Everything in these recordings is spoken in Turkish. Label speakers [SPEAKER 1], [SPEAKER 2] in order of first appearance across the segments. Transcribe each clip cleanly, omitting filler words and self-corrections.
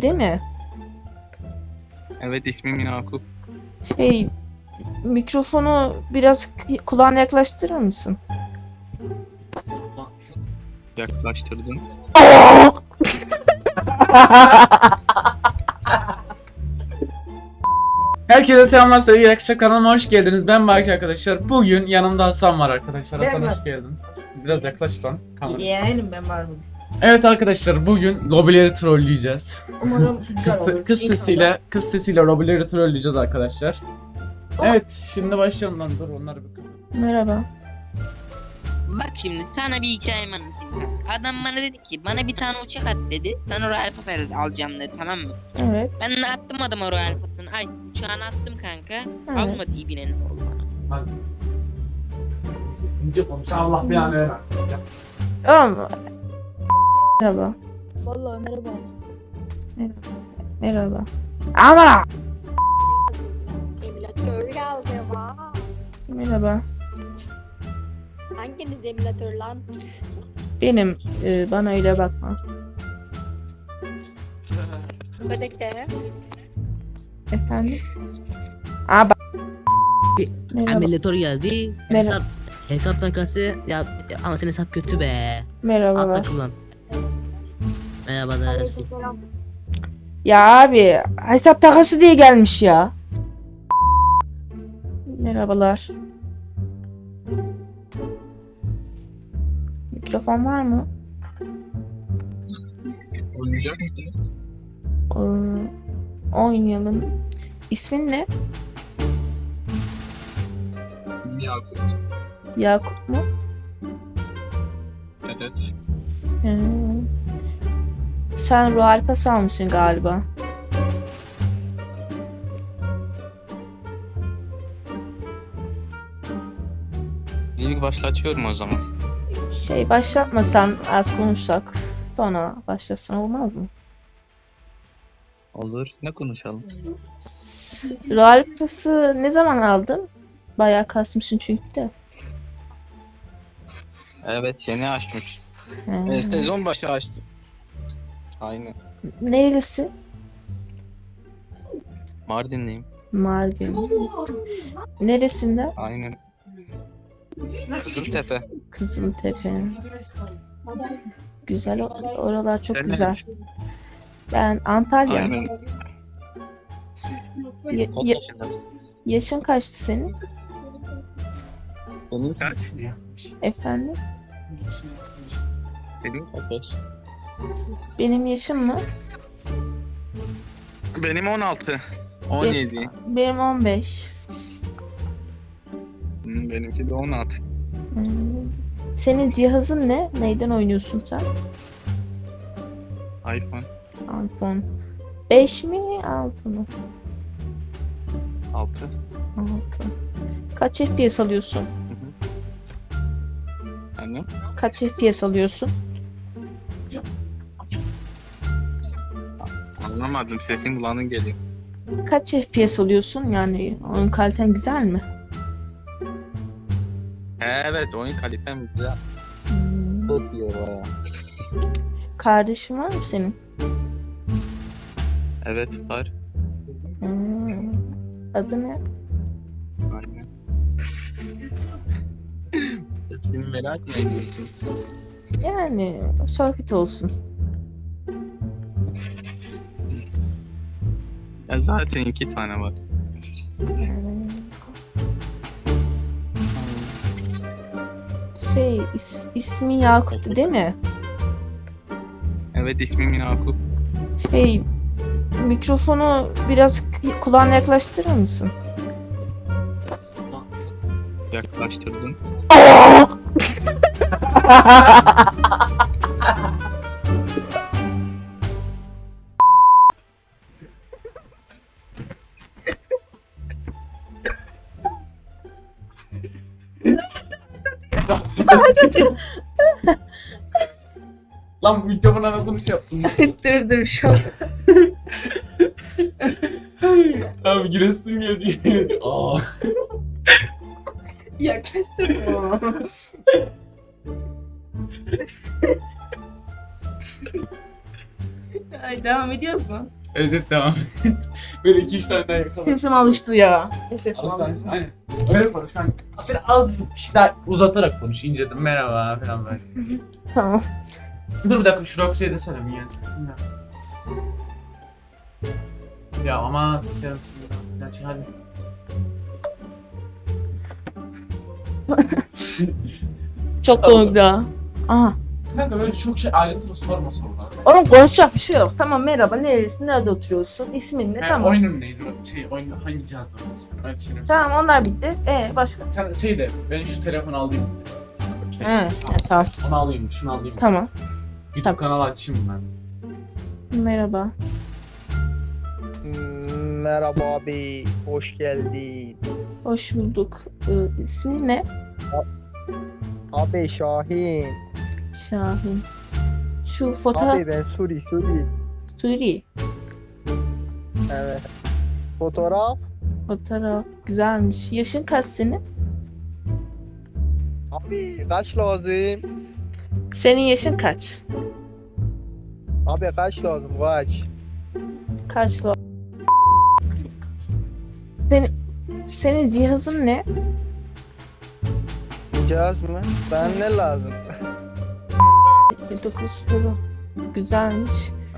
[SPEAKER 1] değil mi?
[SPEAKER 2] Evet, ismim Yakup.
[SPEAKER 1] Mikrofonu biraz kulağına yaklaştırır mısın?
[SPEAKER 2] Yaklaştırdın.
[SPEAKER 3] Herkese selamlar sevgili arkadaşlar, kanalıma hoş geldiniz. Ben Baki arkadaşlar. Bugün yanımda Hasan var arkadaşlar. Hasan hoş geldin. Biraz yaklaş lan kameraya.
[SPEAKER 1] Yeğenim ben var bugün.
[SPEAKER 3] Evet arkadaşlar, bugün lobileri trolleyeceğiz.
[SPEAKER 1] Umarım güzel olur.
[SPEAKER 3] Kız sesiyle lobileri trolleyeceğiz arkadaşlar. Evet, şimdi başlayalım lan. Dur onları bir kapat.
[SPEAKER 1] Merhaba.
[SPEAKER 4] Bak şimdi sana bir hikayemi anlatayım kanka. Adam bana dedi ki bana bir tane uçak at dedi. Sen o Royal Pass alacağım dedi, tamam mı?
[SPEAKER 1] Evet.
[SPEAKER 4] Ben de attım adama Royal Pass'ını. Ay uçağını attım kanka.
[SPEAKER 1] Evet.
[SPEAKER 4] Almadı iyi binenin oldu bana.
[SPEAKER 3] Hadi. İnce konuş, Allah bir an versin.
[SPEAKER 1] Merhaba. Merhaba.
[SPEAKER 5] Vallahi merhaba.
[SPEAKER 1] Merhaba. Ama.
[SPEAKER 5] Emülatör geldi va.
[SPEAKER 1] Merhaba.
[SPEAKER 5] Hanginiz emülatör lan?
[SPEAKER 1] Benim bana öyle bakma.
[SPEAKER 5] Ödekte.
[SPEAKER 1] Efendim? Aa bak. Merhaba.
[SPEAKER 6] Emülatör geldi.
[SPEAKER 1] Merhaba.
[SPEAKER 6] Hesap takası ya ama senin hesap kötü be.
[SPEAKER 1] Merhabalar.
[SPEAKER 6] Atla kullan. Merhabalar.
[SPEAKER 5] Aleykümselam.
[SPEAKER 1] Ya abi hesap takası diye gelmiş ya. Merhabalar. Mikrofon var mı?
[SPEAKER 2] Oynayacak mısınız?
[SPEAKER 1] Oynayalım. İsmin ne?
[SPEAKER 2] İsmim Yakup.
[SPEAKER 1] Yakup mu?
[SPEAKER 2] Evet.
[SPEAKER 1] Sen Royal Pass almışsın galiba.
[SPEAKER 2] İlk başlatıyorum o zaman.
[SPEAKER 1] Başlatmasan az konuşsak sonra başlasın olmaz mı?
[SPEAKER 2] Olur. Ne konuşalım?
[SPEAKER 1] Royal Pass'ı ne zaman aldın? Bayağı kasmışsın çünkü de.
[SPEAKER 2] Evet, yeni açmış.
[SPEAKER 1] He.
[SPEAKER 2] Sezon başı açtım. Aynen.
[SPEAKER 1] Nerelisin?
[SPEAKER 2] Mardinliyim.
[SPEAKER 1] Mardin. Neresinde?
[SPEAKER 2] Aynen. Kızıltepe.
[SPEAKER 1] Kızıltepe. Güzel oralar çok
[SPEAKER 2] Sen
[SPEAKER 1] güzel.
[SPEAKER 2] neredesin?
[SPEAKER 1] Ben Antalya.
[SPEAKER 2] Aynen.
[SPEAKER 1] Ya-
[SPEAKER 2] Kaç
[SPEAKER 1] ya-
[SPEAKER 2] yaşındasın?
[SPEAKER 1] yaşın kaçtı senin?
[SPEAKER 2] Senin kaç?
[SPEAKER 1] Efendim?
[SPEAKER 2] Senin kaç?
[SPEAKER 1] Benim yaşım mı?
[SPEAKER 2] Benim 16. 17.
[SPEAKER 1] Benim 15.
[SPEAKER 2] Benimki de 16.
[SPEAKER 1] Hmm. Senin cihazın ne? Neyden oynuyorsun sen?
[SPEAKER 2] iPhone
[SPEAKER 1] iPhone. 5 mi? 6 mı?
[SPEAKER 2] 6.
[SPEAKER 1] 6. Kaç FPS alıyorsun?
[SPEAKER 2] Annem?
[SPEAKER 1] Kaç FPS alıyorsun?
[SPEAKER 2] Anlamadım, sesin kulağına geliyor.
[SPEAKER 1] Kaç FPS alıyorsun? Yani oyun kaliten güzel mi?
[SPEAKER 2] Evet, oyun kalitem güzel.
[SPEAKER 1] Hmm.
[SPEAKER 2] Çok iyi baya.
[SPEAKER 1] Kardeşin var mı senin?
[SPEAKER 2] Evet, var.
[SPEAKER 1] Hmm. Adı ne?
[SPEAKER 2] Aynen. Seni merak mı ediyorsun?
[SPEAKER 1] Yani sohbet olsun.
[SPEAKER 2] Ya zaten 2 tane var.
[SPEAKER 1] Yani ismi Yakup'tu değil mi?
[SPEAKER 2] Evet, ismim Yakup.
[SPEAKER 1] Mikrofonu biraz kulağına yaklaştırır mısın?
[SPEAKER 2] Yaklaştırdın.
[SPEAKER 3] Lan mikrofon anasını şey yaptım.
[SPEAKER 1] dur şu an.
[SPEAKER 3] Abi giresim geldi. Aa.
[SPEAKER 1] Yaklaştırma. Ay devam ediyoruz mu?
[SPEAKER 3] Evet devam et. Böyle 2-3 tane daha yapalım.
[SPEAKER 1] Sesim alıştı ya. Sesim alıştı.
[SPEAKER 3] Alıştı. Aynen. Öyle konuş kanka. Böyle az bir şey daha uzatarak konuş. İnceden merhaba falan böyle.
[SPEAKER 1] Tamam.
[SPEAKER 3] Dur bir dakika şu Roxy'ye desene bir yensin. Ya ama sikerim şimdi. Gerçi hadi.
[SPEAKER 1] Çok komik daha. Aha.
[SPEAKER 3] Kanka böyle çok şey ayrıntılı sorma sorular.
[SPEAKER 1] Oğlum konuşacak bir şey yok. Tamam merhaba, nerelisin, nerede oturuyorsun, ismin ne?
[SPEAKER 3] Yani
[SPEAKER 1] Tamam.
[SPEAKER 3] oyunun neydi? Oyun hangi cihazda oynuyorsun? Öyle bir şey mi?
[SPEAKER 1] Tamam onlar bitti. Başka?
[SPEAKER 3] Sen şey de ben şu telefonu alayım. Şey,
[SPEAKER 1] He, tamam.
[SPEAKER 3] Onu alayım, şunu alayım.
[SPEAKER 1] Tamam.
[SPEAKER 3] YouTube
[SPEAKER 1] Tamam.
[SPEAKER 3] kanalı açayım ben.
[SPEAKER 1] Merhaba.
[SPEAKER 7] Merhaba abi, hoş geldin.
[SPEAKER 1] Hoş bulduk. İsmin ne?
[SPEAKER 7] Abi Şahin.
[SPEAKER 1] Şahin. Şu fotoğraf...
[SPEAKER 7] Abi ben Suri.
[SPEAKER 1] Suri.
[SPEAKER 7] Evet. Fotoğraf.
[SPEAKER 1] Fotoğraf. Güzelmiş. Yaşın kaç senin?
[SPEAKER 7] Abi kaç lazım?
[SPEAKER 1] Senin yaşın kaç?
[SPEAKER 7] Abi kaç lazım kaç?
[SPEAKER 1] Kaç lo? Senin cihazın ne?
[SPEAKER 7] Cihaz mı? Ben ne lazım?
[SPEAKER 1] 9 Pro. Güzelmiş.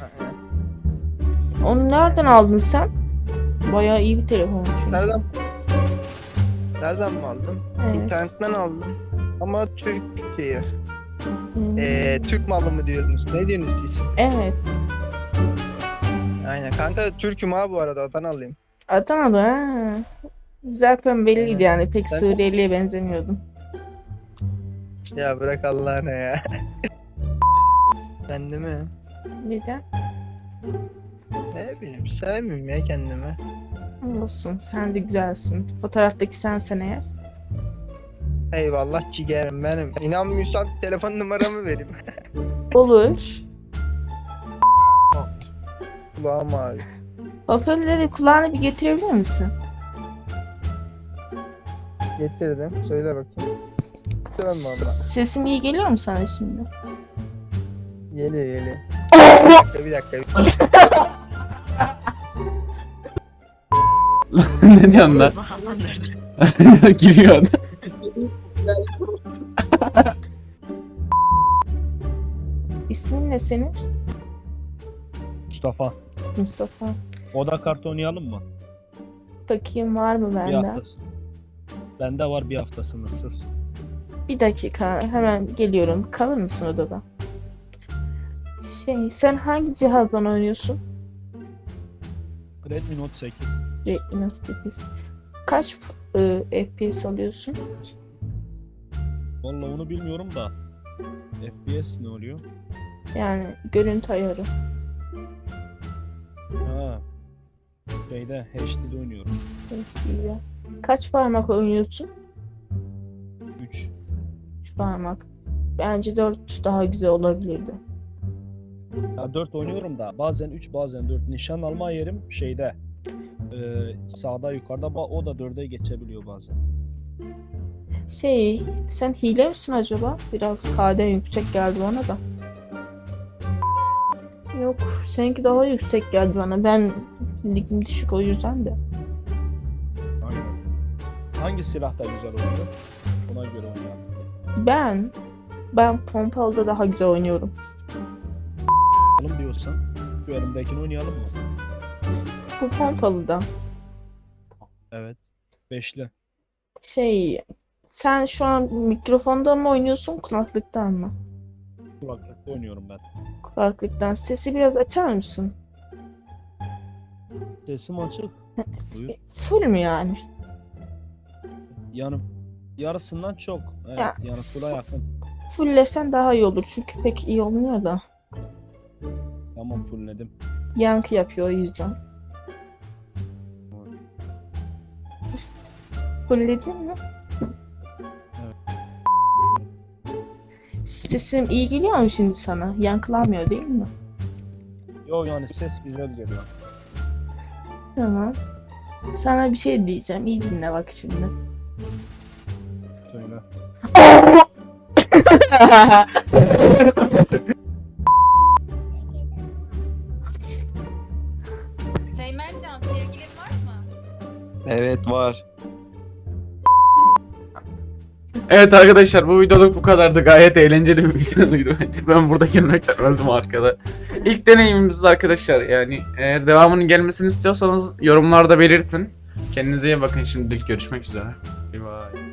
[SPEAKER 1] Onu nereden aldın sen? Bayağı iyi bir telefon çünkü.
[SPEAKER 7] Nereden mi aldın?
[SPEAKER 1] Evet.
[SPEAKER 7] İnternetten aldım. Ama Türk şeyi.
[SPEAKER 1] Hmm.
[SPEAKER 7] Türk malı mı diyorsunuz? Ne diyorsunuz siz?
[SPEAKER 1] Evet.
[SPEAKER 7] Aynen kanka Türk'üm abi bu arada Adanalıyım.
[SPEAKER 1] Adana'da ha. Zaten belliydi
[SPEAKER 7] Evet.
[SPEAKER 1] yani. Pek
[SPEAKER 7] Ben-
[SPEAKER 1] Suriyeli'ye benzemiyordum.
[SPEAKER 7] Ya bırak Allah'ına ya. Kendimi
[SPEAKER 1] Neden?
[SPEAKER 7] ne bileyim sevmiyorum ya kendimi.
[SPEAKER 1] Olsun. Sen de güzelsin. Fotoğraftaki sensen eğer.
[SPEAKER 7] Eyvallah ciğerim benim. İnanmıyorsan telefon numaramı vereyim.
[SPEAKER 1] Olur.
[SPEAKER 7] Kulağım abi.
[SPEAKER 1] Hoparlörleri kulağına bir getirebilir misin?
[SPEAKER 7] Getirdim. Söyle bakayım. Dön valla.
[SPEAKER 1] Sesim iyi geliyor mu sana şimdi?
[SPEAKER 7] Geliyor. Bir dakika.
[SPEAKER 3] Ne diyorsun lan? Gülüyor adam.
[SPEAKER 1] İsmin ne senin?
[SPEAKER 8] Mustafa.
[SPEAKER 1] Mustafa.
[SPEAKER 8] Oda kartı oynayalım mı?
[SPEAKER 1] Bakayım var mı
[SPEAKER 8] Bir
[SPEAKER 1] bende?
[SPEAKER 8] haftası. Bende var bir hafta sınırsız.
[SPEAKER 1] Bir dakika hemen geliyorum. Kalır mısın odada? Sen hangi cihazdan oynuyorsun?
[SPEAKER 8] Redmi Note 8.
[SPEAKER 1] Redmi Note 8. Kaç FPS alıyorsun?
[SPEAKER 8] Vallahi onu bilmiyorum da. FPS ne oluyor?
[SPEAKER 1] Yani görüntü ayarı.
[SPEAKER 8] Ha. Şeyde HD'de oynuyorum.
[SPEAKER 1] HD'de. Kaç parmak oynuyorsun?
[SPEAKER 8] 3.
[SPEAKER 1] 3 parmak. Bence 4 daha güzel olabilirdi.
[SPEAKER 8] Ya 4 oynuyorum da bazen 3 bazen 4. Nişan alma yerim şeyde. Sağda yukarıda o da 4'e geçebiliyor bazen.
[SPEAKER 1] Sen hile misin acaba? Biraz KD yüksek geldi bana da. Yok, seninki daha yüksek geldi bana. Ben ligim düşük o yüzden de.
[SPEAKER 8] Aynen. Hangi silah da güzel oynuyor? Ona göre oynayalım.
[SPEAKER 1] Ben pompalıda daha güzel oynuyorum.
[SPEAKER 8] Oynayalım diyorsan şu elimdekini oynayalım mı?
[SPEAKER 1] Bu pompalıda.
[SPEAKER 8] Evet. 5'li.
[SPEAKER 1] Sen şu an mikrofonda mı oynuyorsun, kulaklıktan mı?
[SPEAKER 8] Kulaklıkta oynuyorum ben.
[SPEAKER 1] Kulaklıktan. Sesi biraz açar mısın?
[SPEAKER 8] Sesim açık. Buyur.
[SPEAKER 1] Full mü yani?
[SPEAKER 8] Yani yarısından çok. Evet,
[SPEAKER 1] Ya,
[SPEAKER 8] yani full'a yakın.
[SPEAKER 1] Fulllesen daha iyi olur çünkü pek iyi olmuyor da.
[SPEAKER 8] Tamam fullledim.
[SPEAKER 1] Yankı yapıyor o yüzden. Fullledin mi?
[SPEAKER 8] Evet.
[SPEAKER 1] Sesim iyi geliyor mu şimdi sana? Yankılanmıyor değil mi?
[SPEAKER 8] Yo yani ses güzel geliyor.
[SPEAKER 1] Tamam. Sana bir şey diyeceğim. İyi dinle bak şimdi.
[SPEAKER 8] Söyle.
[SPEAKER 2] Evet var.
[SPEAKER 3] Evet arkadaşlar, bu videoluk bu kadardı. Gayet eğlenceli bir videoydu bence. Ben burada gelmekten öldüm arkada. İlk deneyimimiz arkadaşlar, yani eğer devamının gelmesini istiyorsanız yorumlarda belirtin. Kendinize iyi bakın, şimdilik görüşmek üzere. Bye bye.